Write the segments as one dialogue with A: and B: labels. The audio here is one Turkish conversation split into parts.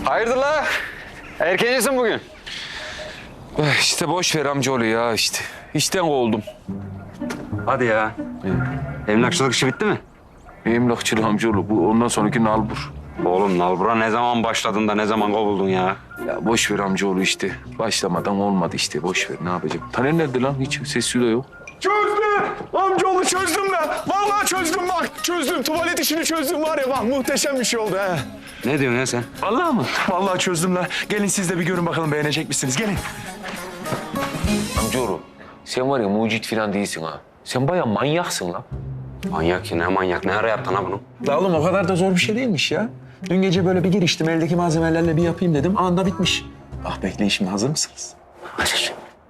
A: Hayırdır la? Erkencisin bugün.
B: İşte boş ver amcaoğlu ya işte. İşten kovuldum.
A: Hadi ya. Emlakçılık işi bitti mi?
B: Emlakçılık amcaoğlu bu ondan sonraki nalbur.
A: Oğlum nalbura ne zaman başladın da ne zaman kovuldun ya?
B: Ya boş ver amcaoğlu işte. Başlamadan olmadı işte boş ver ne yapacağım. Taner nerede lan? Hiç sesi de yok.
C: Çözdüm. Amcaoğlu çözdüm ben. Vallahi çözdüm bak. Çözdüm. Tuvalet işini çözdüm var ya bak muhteşem bir şey oldu ha.
A: Ne diyorsun ya sen?
B: Vallahi mı?
C: Vallahi çözdüm la. Gelin siz de bir görün bakalım beğenecek misiniz? Gelin.
B: Amcaoğlu sen var ya mucit falan değilsin ha. Sen bayağı manyaksın lan.
A: Manyak ya ne manyak. Ne ara yaptın ha bunu?
C: La oğlum o kadar da zor bir şey değilmiş ya. Dün gece böyle bir giriştim. Eldeki malzemelerle bir yapayım dedim. Anında bitmiş. Ah bekleyin şimdi hazır mısınız?
A: Hazır.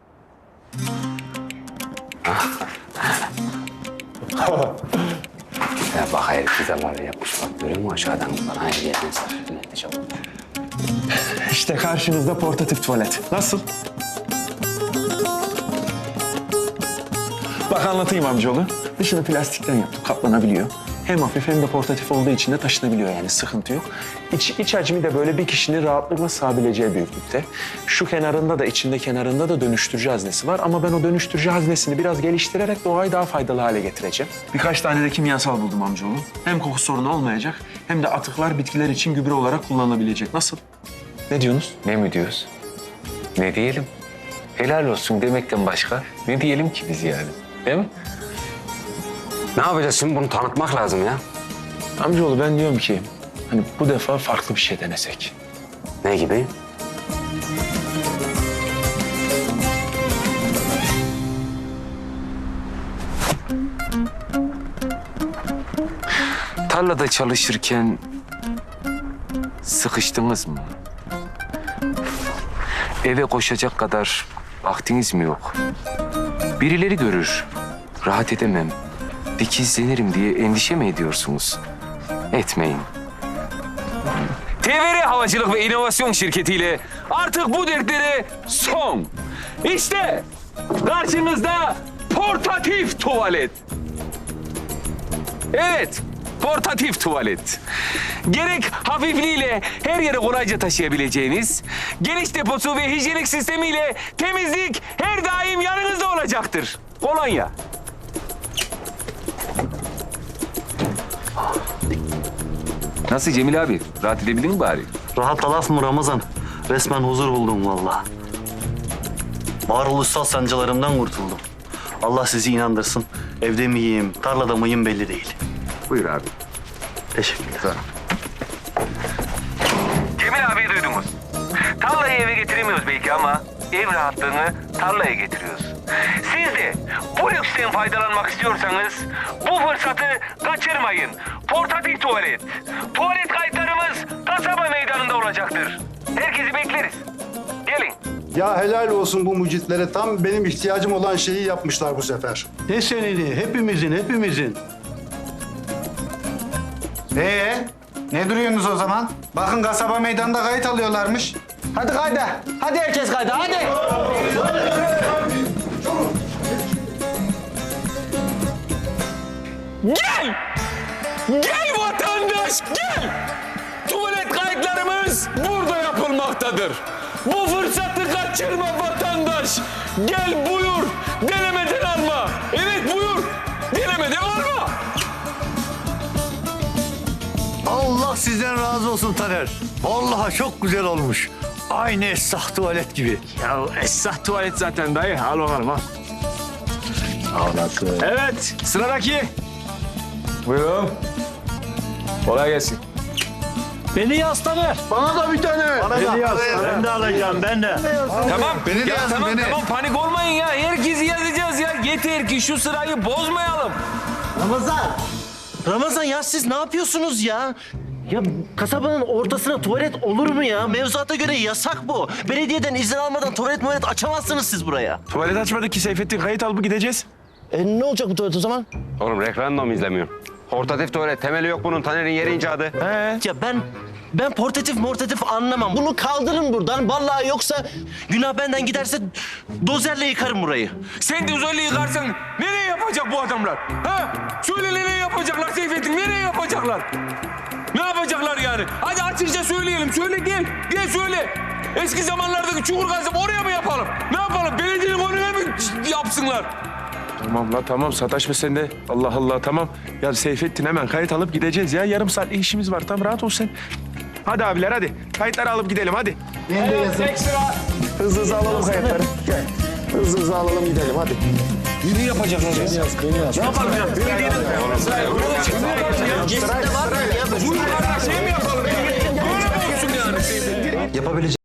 A: Ya bak herif bize var ya yapmış bak görüyor musun aşağıdan bana hediyeden sarı ne çabuk.
C: İşte karşınızda portatif tuvalet. Nasıl? Bak anlatayım amcaoğlu. Dışını plastikten yaptım. Katlanabiliyor. Hem hafif hem de portatif olduğu için de taşınabiliyor yani sıkıntı yok. İç hacmi de böyle bir kişinin rahatlıkla sığabileceği büyüklükte. Şu kenarında da içinde kenarında da dönüştürücü haznesi var. Ama ben o dönüştürücü haznesini biraz geliştirerek doğayı daha faydalı hale getireceğim. Birkaç tane de kimyasal buldum amcaoğlu. Hem koku sorunu olmayacak hem de atıklar bitkiler için gübre olarak kullanılabilecek. Nasıl? Ne diyorsunuz?
B: Ne mi diyoruz? Ne diyelim? Helal olsun demekten başka ne diyelim ki biz yani? Değil mi?
A: Ne yapacağız şimdi bunu tanıtmak lazım ya.
C: Amcaoğlu ben diyorum ki hani bu defa farklı bir şey denesek.
A: Ne gibi?
B: Tarlada çalışırken sıkıştınız mı? Eve koşacak kadar vaktiniz mi yok? Birileri görür, rahat edemem, dikizlenirim diye endişe mi ediyorsunuz? Etmeyin. TVR Havacılık ve İnovasyon Şirketi'yle artık bu dertlere son. İşte karşınızda portatif tuvalet. Evet, portatif tuvalet. Gerek hafifliğiyle her yere kolayca taşıyabileceğiniz, geniş deposu ve hijyenik sistemiyle temizlik her daim yanınızda olacaktır. Kolonya. Nasıl Cemil abi? Rahat edebildin mi bari?
D: Rahat laf mı Ramazan? Resmen huzur buldum vallahi. Varoluşsal sancılarımdan kurtuldum. Allah sizi inandırsın. Evde miyim, tarlada mıyım belli değil.
A: Buyur abi.
D: Teşekkürler.
B: Cemil abi duydunuz. Tarlayı eve getiremiyoruz belki ama ev rahatlığını tarlaya getiriyoruz. Siz de bu lüksten faydalanmak istiyorsanız bu fırsatı kaçırmayın. Portatif tuvalet. Tuvalet kayıtlarımız kasaba meydanında olacaktır. Herkesi bekleriz. Gelin.
E: Ya helal olsun bu mucitlere. Tam benim ihtiyacım olan şeyi yapmışlar bu sefer.
F: Ne senedi? Hepimizin.
G: Ne duruyorsunuz o zaman? Bakın kasaba meydanında kayıt alıyorlarmış. Hadi kayda. Hadi herkes kayda. Hadi.
B: Gel! Gel vatandaş gel! Tuvalet kayıtlarımız burada yapılmaktadır. Bu fırsatı kaçırma vatandaş. Gel buyur. Denemeden alma. Evet buyur. Denemeden alma.
F: Allah sizden razı olsun Taner. Vallahi çok güzel olmuş. Aynı Esrah tuvalet gibi.
C: Ya esnaf tuvalet zaten dayı. Al bakalım al.
F: Anası.
C: Evet sıradaki. Buyurun. Kolay gelsin.
F: Beni yaz Taner.
E: Bana da bir tane.
F: Beni yaz. Ben de alacağım, ben de.
B: Tamam.
E: Beni de
B: ya
E: yazın,
B: tamam
E: beni.
B: tamam panik olmayın ya. Herkesi yazacağız ya. Yeter ki şu sırayı bozmayalım.
D: Ramazan ya siz ne yapıyorsunuz ya? Ya kasabanın ortasına tuvalet olur mu ya? Mevzuata göre yasak bu. Belediyeden izin almadan tuvalet açamazsınız siz buraya.
C: Tuvalet açmadık ki Seyfettin. Kayıt alıp gideceğiz.
D: Ne olacak bu tuvalet o zaman?
A: Oğlum referandum izlemiyorum. Portatif tuvalet temeli yok bunun. Taner'in yeri icadı.
D: Ya ben portatif anlamam. Bunu kaldırın buradan. Vallahi yoksa günah benden giderse dozerle yıkarım burayı.
B: Sen de uzaylı yıkarsan nereye yapacak bu adamlar? Ha? Söyle nereye yapacaklar Seyfettin? Nereye yapacaklar?
H: Ne yapacaklar yani? Hadi açıkça söyleyelim. Söyle gel. Gel söyle. Eski zamanlardaki çukur kazıp oraya mı yapalım? Ne yapalım? Belediyenin önüne mi yapsınlar?
C: Tamam la tamam sataşma sen de. Allah Allah tamam. Ya Seyfettin hemen kayıt alıp gideceğiz ya. Yarım saatlik işimiz var. Tamam rahat ol sen. Hadi abiler hadi. Kayıtları alıp gidelim hadi. Hızlı hızlı alalım kayıtları. Gel. Hızlı hızlı alalım gidelim hadi.
H: Ne yapacaklar ya? Ne yapalım ya? Belediyenin...
D: Cesinde var mı ya?
H: Bunlarla şey mi yapalım? Böyle mi olsun yani?
D: Yapabileceğim.